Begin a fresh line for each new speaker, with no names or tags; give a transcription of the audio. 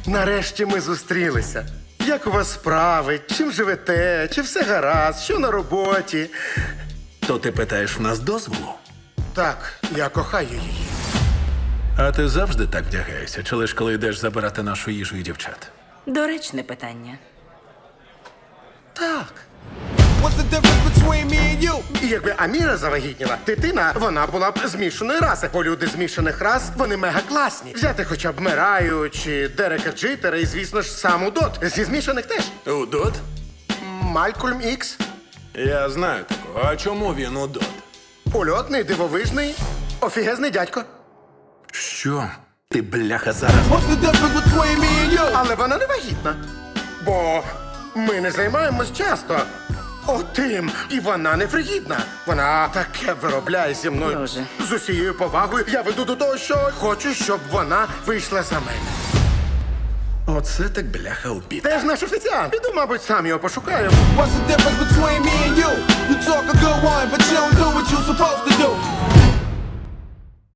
Нарешті ми зустрілися. Як у вас справи? Чим живете? Чи все гаразд? Що на роботі?
То ти питаєш в нас дозволу?
Так, я кохаю її.
А ти завжди так вдягаєшся, чи лиш коли йдеш забирати нашу їжу і дівчат?
Доречне питання.
Так.
What's the difference between me and you?
І якби Аміра завагітніла, дитина, вона була б змішаної раси. Бо люди змішаних рас, вони мега класні. Взяти хоча б Мераю чи Дерека Джитера і, звісно ж, сам Удот. Зі змішаних теж.
Удот?
Малькольм Ікс.
Я знаю такого. А чому він удот?
Ульотний, дивовижний, офігезний дядько.
Що? Ти, бляха, зараз.
What's the difference between me and you?
Але вона не вагітна. Бо ми не займаємось часто. Отим. І вона не фригідна. Вона таке виробляє зі мною.
Боже.
З усією повагою я веду до того, що хочу, щоб вона вийшла за мене.
Оце так, бляха, обід.
Де ж наш офіціант? Піду, мабуть, сам його пошукаю.
What's the difference between me and you? You talk a good one, but you don't do what you're supposed to do.